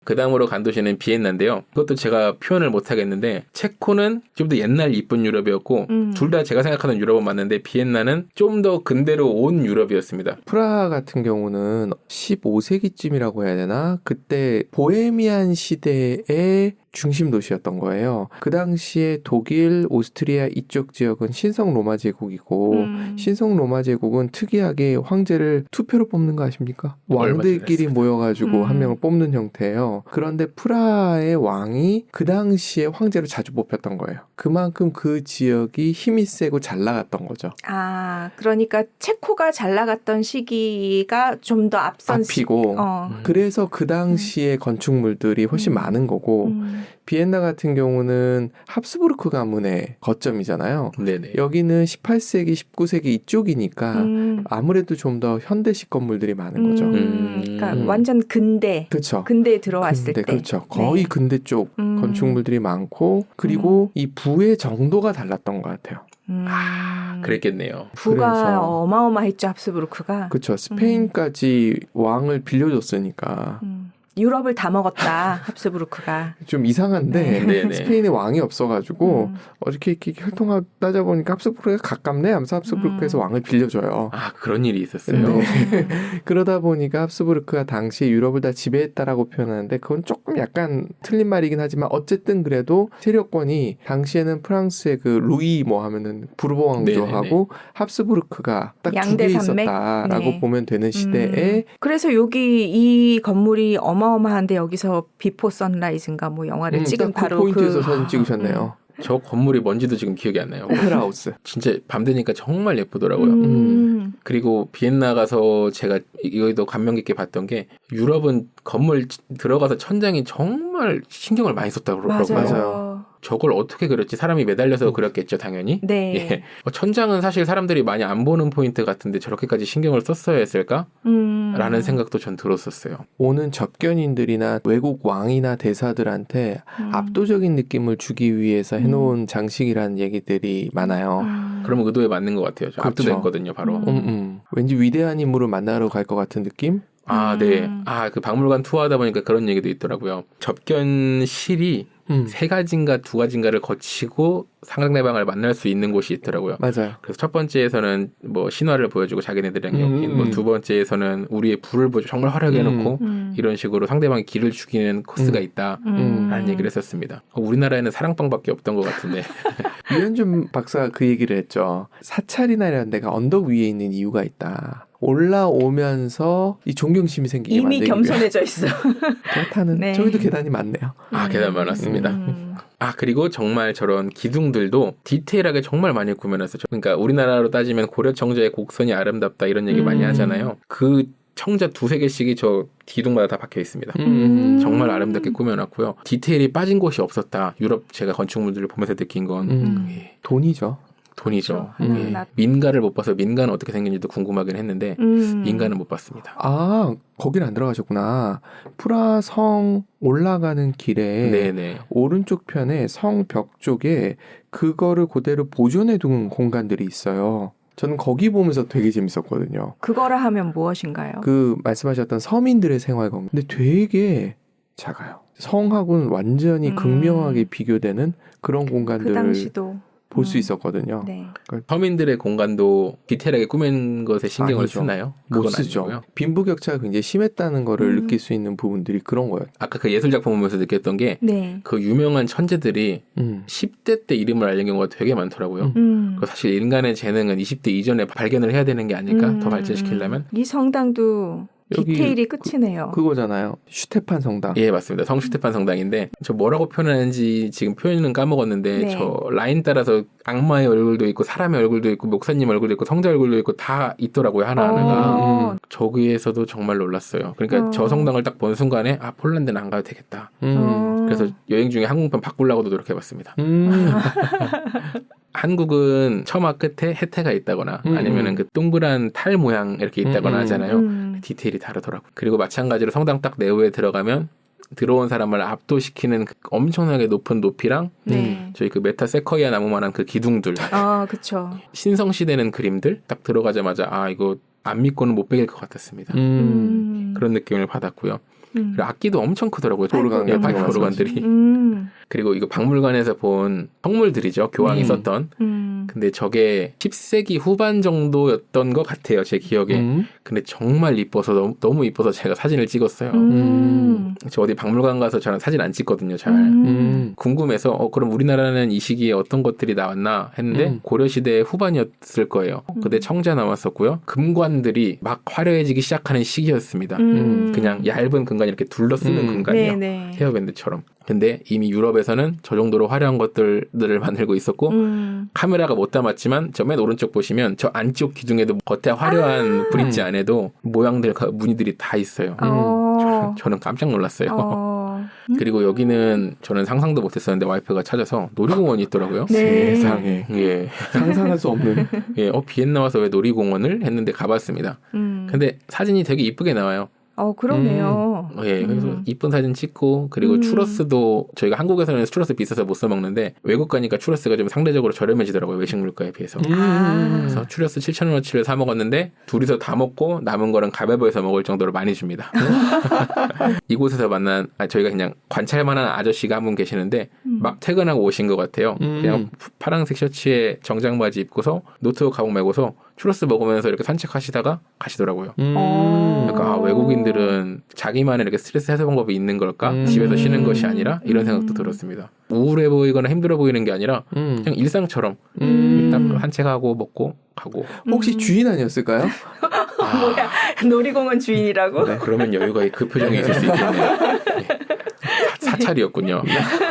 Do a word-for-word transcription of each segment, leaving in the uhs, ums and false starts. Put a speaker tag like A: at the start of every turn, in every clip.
A: 그 다음으로 간 도시는 비엔나인데요. 그것도 제가 표현을 못하겠는데 체코는 좀 더 옛날 이쁜 유럽이었고 음. 둘 다 제가 생각하는 유럽은 맞는데 비엔나는 좀 더 근대로 온 유럽이었습니다.
B: 프라하 같은 경우는 십오 세기쯤이라고 해야 되나? 그때 보헤미안 시대의 중심 도시였던 거예요. 그 당시에 독일, 오스트리아 이쪽 지역은 신성 로마 제국이고 음. 신성 로마 제국은 특이하게 황제를 투표로 뽑는 거 아십니까? 왕들끼리 모여가지고 음. 한 명을 뽑는 형태예요. 그런데 프라하의 왕이 그 당시에 황제로 자주 뽑혔던 거예요. 그만큼 그 지역이 힘이 세고 잘 나갔던 거죠.
C: 아, 그러니까 체코가 잘 나갔던 시기가 좀 더 앞선
B: 앞이고
C: 시... 어.
B: 음. 그래서 그 당시에 음. 건축물들이 훨씬 음. 많은 거고 음. 비엔나 같은 경우는 합스부르크 가문의 거점이잖아요.
A: 네네.
B: 여기는 십팔 세기, 십구 세기 이쪽이니까 음. 아무래도 좀 더 현대식 건물들이 많은 거죠.
C: 음. 그러니까 음. 완전 근대.
B: 그렇죠.
C: 근대에 들어왔을
B: 근대,
C: 때.
B: 그렇죠. 거의
C: 네.
B: 근대 쪽 음. 건축물들이 많고 그리고 음. 이 부의 정도가 달랐던 것 같아요.
C: 음.
A: 아, 그랬겠네요.
C: 부가
B: 그래서,
C: 어마어마했죠, 합스부르크가.
B: 그렇죠. 스페인까지 음. 왕을 빌려줬으니까.
C: 음. 유럽을 다 먹었다, 합스부르크가.
B: 좀 이상한데
A: 네.
B: 스페인에 왕이 없어가지고
C: 음.
B: 어저께 이렇게 혈통하다 보니까 합스부르크가 가깝네 하면서 합스부르크에서
C: 음.
B: 왕을 빌려줘요.
A: 아, 그런 일이 있었어요.
B: 네. 그러다 보니까 합스부르크가 당시에 유럽을 다 지배했다라고 표현하는데 그건 조금 약간 틀린 말이긴 하지만 어쨌든 그래도 세력권이 당시에는 프랑스의 그 루이 뭐 하면은 부르보 왕조하고 합스부르크가 딱 두 개 있었다라고
C: 네.
B: 보면 되는 시대에
C: 음. 그래서 여기 이 건물이 어마어마한데 여기서 비포 선라이즈인가 뭐 영화를
B: 음,
C: 찍은
B: 그
C: 바로
B: 포인트에서
C: 그
B: 사진 찍으셨네요.
C: 음.
A: 저 건물이 뭔지도 지금 기억이 안 나요.
B: 오페라 하우스.
A: 진짜 밤 되니까 정말 예쁘더라고요.
C: 음.
A: 음. 그리고 비엔나 가서 제가 여기도 감명 깊게 봤던 게 유럽은 건물 들어가서 천장이 정말 신경을 많이 썼다고 그러더라고요.
B: 맞아요.
A: 저걸 어떻게 그렸지? 사람이 매달려서 음. 그렸겠죠, 당연히.
C: 네.
A: 예. 천장은 사실 사람들이 많이 안 보는 포인트 같은데 저렇게까지 신경을 썼어야 했을까?
C: 음.
A: 라는 생각도 전 들었었어요.
B: 오는 접견인들이나 외국 왕이나 대사들한테 음. 압도적인 느낌을 주기 위해서 해놓은 음. 장식이라는 얘기들이 많아요.
C: 음.
A: 그러면 의도에 맞는 것 같아요.
B: 그렇죠.
A: 압도됐거든요, 바로.
B: 음. 음, 음. 왠지 위대한 인물을 만나러 갈 것 같은 느낌?
A: 아, 네. 아, 그 박물관 투어하다 보니까 그런 얘기도 있더라고요. 접견실이 음. 세 가지인가 두 가지인가를 거치고 상대방을 만날 수 있는 곳이 있더라고요.
B: 맞아요.
A: 그래서 첫 번째에서는 뭐 신화를 보여주고 자기네들이랑 엮인,
B: 음.
A: 뭐 두 번째에서는 우리의 불을 보여 정말 화려하게 해놓고
C: 음.
A: 이런 식으로 상대방의 길을 죽이는 코스가
B: 음.
A: 있다라는
C: 음.
A: 얘기를 했었습니다. 우리나라에는 사랑방밖에 없던 것 같은데.
B: 유현준 박사가 그 얘기를 했죠. 사찰이나 데가 언덕 위에 있는 이유가 있다. 올라오면서 이 존경심이 생기게
C: 이미
B: 만들기
C: 겸손해져 있어.
B: 그렇다는
C: 네.
B: 저희도 계단이 많네요.
A: 아, 계단 많았습니다.
C: 음.
A: 아, 그리고 정말 저런 기둥들도 디테일하게 정말 많이 구현했어요. 그러니까 우리나라로 따지면 고려 청자의 곡선이 아름답다 이런 얘기
C: 음.
A: 많이 하잖아요. 그 청자 두세 개씩이 저 기둥마다 다 박혀 있습니다.
B: 음.
A: 정말 아름답게 꾸며놨고요. 디테일이 빠진 곳이 없었다. 유럽 제가 건축물들을 보면서 느낀 건
B: 음.
A: 예.
B: 돈이죠.
A: 돈이죠.
C: 그렇죠.
A: 예.
C: 나...
A: 민가를 못 봐서 민가는 어떻게 생긴지도 궁금하긴 했는데
C: 음.
A: 민가는 못 봤습니다.
B: 아, 거긴 안 들어가셨구나. 프라 성 올라가는 길에
A: 네네.
B: 오른쪽 편에 성 벽 쪽에 그거를 그대로 보존해 둔 공간들이 있어요. 저는 거기 보면서 되게 재밌었거든요.
C: 그거라 하면 무엇인가요?
B: 그 말씀하셨던 서민들의 생활 공간. 근데 되게 작아요. 성하고는 완전히
C: 음.
B: 극명하게 비교되는 그런
C: 그
B: 공간들을
C: 당시도
B: 볼 수
C: 음.
B: 있었거든요.
C: 네.
A: 서민들의 공간도 디테일하게 꾸민 것에 신경을
B: 아니죠.
A: 쓰나요?
B: 못
A: 그건
B: 쓰죠.
A: 아니고요.
B: 빈부격차가 굉장히 심했다는 거를
C: 음.
B: 느낄 수 있는 부분들이 그런 거예요.
A: 아까 그 예술작품 보면서 느꼈던 게 그
C: 네.
A: 유명한 천재들이
B: 음.
A: 십 대 때 이름을 알린 경우가 되게 많더라고요.
B: 음.
C: 음.
A: 그 사실 인간의 재능은 이십 대 이전에 발견을 해야 되는 게 아닐까?
C: 음.
A: 더 발전시키려면?
C: 이 성당도
B: 여기
C: 디테일이 끝이네요.
B: 그, 그거잖아요. 슈테판 성당.
A: 예, 맞습니다. 성슈테판 성당인데 저 뭐라고 표현하는지 지금 표현은 까먹었는데
C: 네.
A: 저 라인 따라서 악마의 얼굴도 있고 사람의 얼굴도 있고 목사님 얼굴도 있고 성자 얼굴도 있고 다 있더라고요. 하나하나가.
C: 어.
B: 음.
A: 저기에서도 정말 놀랐어요. 그러니까
C: 어.
A: 저 성당을 딱 본 순간에 아 폴란드는 안 가도 되겠다.
B: 음.
C: 어.
A: 그래서 여행 중에 항공편 바꾸려고도 노력해봤습니다.
B: 음.
A: 한국은 처마 끝에 해태가 있다거나
B: 음.
A: 아니면은 그 동그란 탈 모양 이렇게 있다거나
B: 음.
A: 하잖아요.
C: 음.
A: 디테일이 다르더라고요. 그리고 마찬가지로 성당 딱 내부에 들어가면 들어온 사람을 압도시키는 그 엄청나게 높은 높이랑
C: 네.
A: 저희 그 메타 세커이아 나무만한 그 기둥들,
C: 아, 그렇죠.
A: 신성시대는 그림들 딱 들어가자마자 아 이거 안 믿고는 못 베길 것 같았습니다.
B: 음.
C: 음.
A: 그런 느낌을 받았고요.
C: 음.
A: 그리고 악기도 엄청 크더라고요.
B: 오르간
A: 예,
B: 같은
A: 파이프
B: 거
A: 오르간들이.
C: 음.
A: 그리고 이거 박물관에서 본 성물들이죠. 교황이
B: 음.
A: 썼던.
C: 음.
A: 근데 저게 십 세기 후반 정도였던 것 같아요. 제 기억에.
B: 음.
A: 근데 정말 이뻐서 너무, 너무 이뻐서 제가 사진을 찍었어요.
C: 음.
A: 저 어디 박물관 가서 저는 사진 안 찍거든요. 잘.
C: 음.
B: 음.
A: 궁금해서 어 그럼 우리나라는 이 시기에 어떤 것들이 나왔나 했는데
B: 음.
A: 고려시대 후반이었을 거예요. 그때 청자 나왔었고요. 금관들이 막 화려해지기 시작하는 시기였습니다.
C: 음.
A: 그냥 얇은 금관이 이렇게 둘러쓰는
B: 음.
A: 금관이요.
C: 네네.
A: 헤어밴드처럼. 근데 이미 유럽에서는 저 정도로 화려한 것들을 만들고 있었고
C: 음.
A: 카메라가 못 담았지만 저 맨 오른쪽 보시면 저 안쪽 기둥에도 겉에 화려한
C: 아.
A: 브릿지 안에도 모양들 무늬들이 다 있어요.
C: 어.
A: 저는, 저는 깜짝 놀랐어요.
C: 어.
A: 그리고 여기는 저는 상상도 못했었는데 와이프가 찾아서 놀이공원이 있더라고요.
C: 네.
B: 세상에
A: 예,
B: 상상할 수 없는.
A: 예, 어 비엔나 와서 왜 놀이공원을 했는데 가봤습니다.
C: 음.
A: 근데 사진이 되게 이쁘게 나와요.
C: 어, 그러네요.
A: 예, 그래서
C: 음.
A: 이쁜 사진 찍고 그리고
C: 음.
A: 추러스도 저희가 한국에서는 추러스 비싸서 못 사 먹는데 외국 가니까 추러스가 좀 상대적으로 저렴해지더라고요. 외식 물가에 비해서.
C: 아.
A: 그래서 추러스 칠천 원어치를 사 먹었는데 둘이서 다 먹고 남은 거는 가베버에서 먹을 정도로 많이 줍니다. 이곳에서 만난 아, 저희가 그냥 관찰만한 아저씨가 한 분 계시는데
C: 음.
A: 막 퇴근하고 오신 것 같아요.
B: 음.
A: 그냥 파란색 셔츠에 정장 바지 입고서 노트북 가방 메고서 추러스 먹으면서 이렇게 산책하시다가 가시더라고요.
B: 음.
C: 어.
A: 그러니까 아, 외국인들은 자기만의 이렇게 스트레스 해소 방법이 있는 걸까?
B: 음.
A: 집에서 쉬는 것이 아니라 이런
C: 음.
A: 생각도 들었습니다. 우울해 보이거나 힘들어 보이는 게 아니라
B: 음.
A: 그냥 일상처럼
B: 음.
A: 딱 산책하고 먹고 가고.
B: 혹시
C: 음.
B: 주인 아니었을까요?
A: 아,
C: 뭐야, 놀이공원 주인이라고?
B: 네.
A: 그러면 여유가 그 표정이 있을 수 있겠네요. 네. 사, 사찰이었군요.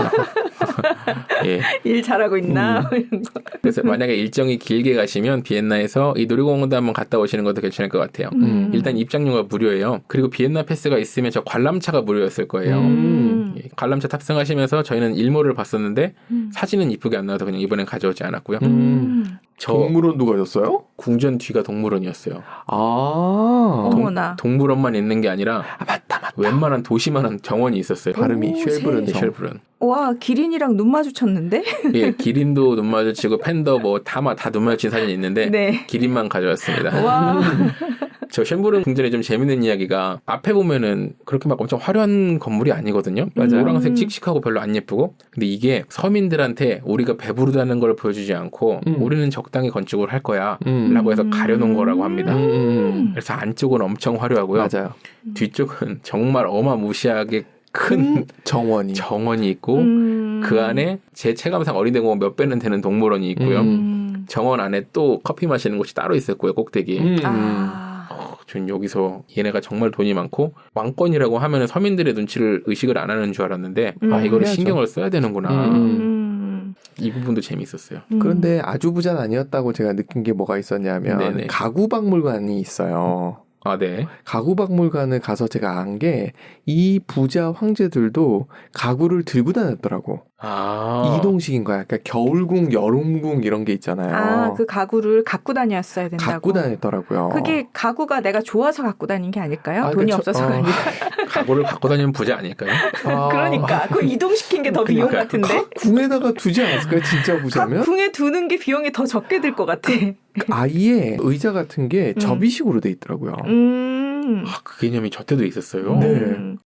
A: 예.
C: 일 잘하고 있나?
B: 음.
C: 이런 거.
A: 그래서 만약에 일정이 길게 가시면 비엔나에서 이 놀이공원도 한번 갔다 오시는 것도 괜찮을 것 같아요.
B: 음.
A: 일단 입장료가 무료예요. 그리고 비엔나 패스가 있으면 저 관람차가 무료였을 거예요.
B: 음.
A: 예, 관람차 탑승하시면서 저희는 일몰을 봤었는데
C: 음.
A: 사진은 이쁘게 안 나와서 그냥 이번엔 가져오지 않았고요.
B: 음.
A: 저
B: 동물원도 가셨어요?
A: 궁전 뒤가 동물원이었어요.
B: 아.
C: 어머나.
A: 동물원만 있는 게 아니라
B: 아, 맞다, 맞다.
A: 웬만한 도시만한 정원이 있었어요.
B: 발음이
C: 오,
B: 쉘브른
A: 네,
B: 성.
A: 쉘브른.
C: 와, 기린이랑 눈 마주쳤는데?
A: 예, 기린도 눈 마주치고 팬더 뭐 다마 다 눈 마주친 사진이 있는데
C: 네.
A: 기린만 가져왔습니다.
C: 와.
A: 저 쉔브른 궁전에 좀 재밌는 이야기가 앞에 보면은 그렇게 막 엄청 화려한 건물이 아니거든요.
B: 맞아요.
A: 노란색 칙칙하고 별로 안 예쁘고. 근데 이게 서민들한테 우리가 배부르다는 걸 보여주지 않고
B: 음.
A: 우리는 적당히 건축을 할 거야
B: 음.
A: 라고 해서 가려놓은 거라고 합니다.
B: 음.
A: 그래서 안쪽은 엄청 화려하고요.
B: 맞아요.
A: 뒤쪽은 정말 어마무시하게 큰
B: 정원이.
A: 정원이 있고
C: 음.
A: 그 안에 제 체감상 어린이공원 몇 배는 되는 동물원이 있고요.
B: 음.
C: 음.
A: 정원 안에 또 커피 마시는 곳이 따로 있었고요. 꼭대기에.
B: 음.
C: 아.
A: 어, 전 여기서 얘네가 정말 돈이 많고 왕권이라고 하면 서민들의 눈치를 의식을 안 하는 줄 알았는데
C: 음.
A: 아 이거를
B: 해야죠.
A: 신경을 써야 되는구나.
B: 음.
C: 음.
A: 이 부분도 재밌었어요.
C: 음.
B: 그런데 아주 부자는 아니었다고 제가 느낀 게 뭐가 있었냐면
A: 네네.
B: 가구박물관이 있어요.
A: 아 네.
B: 가구박물관을 가서 제가 안 게 이 부자 황제들도 가구를 들고 다녔더라고.
A: 아
B: 이동식인 거야. 그러니까 겨울궁, 여름궁 이런 게 있잖아요.
C: 아, 그 가구를 갖고 다녔어야 된다고.
B: 갖고 다녔더라고요.
C: 그게 가구가 내가 좋아서 갖고 다닌 게 아닐까요?
B: 아,
C: 돈이
B: 그쵸.
C: 없어서가
B: 어.
C: 아니라.
A: 가구를 갖고 다니면 부자 아닐까요?
B: 아,
C: 그러니까 그 이동시킨 게 더 비용
A: 그러니까요.
C: 같은데.
B: 궁에다가 두지 않았을까요? 진짜 부자면?
C: 궁에 두는 게 비용이 더 적게 들 것 같아.
B: 아예 의자 같은 게
C: 음.
B: 접이식으로 돼 있더라고요.
C: 음.
A: 아, 그 개념이 저 때도 있었어요.
B: 네.
C: 음.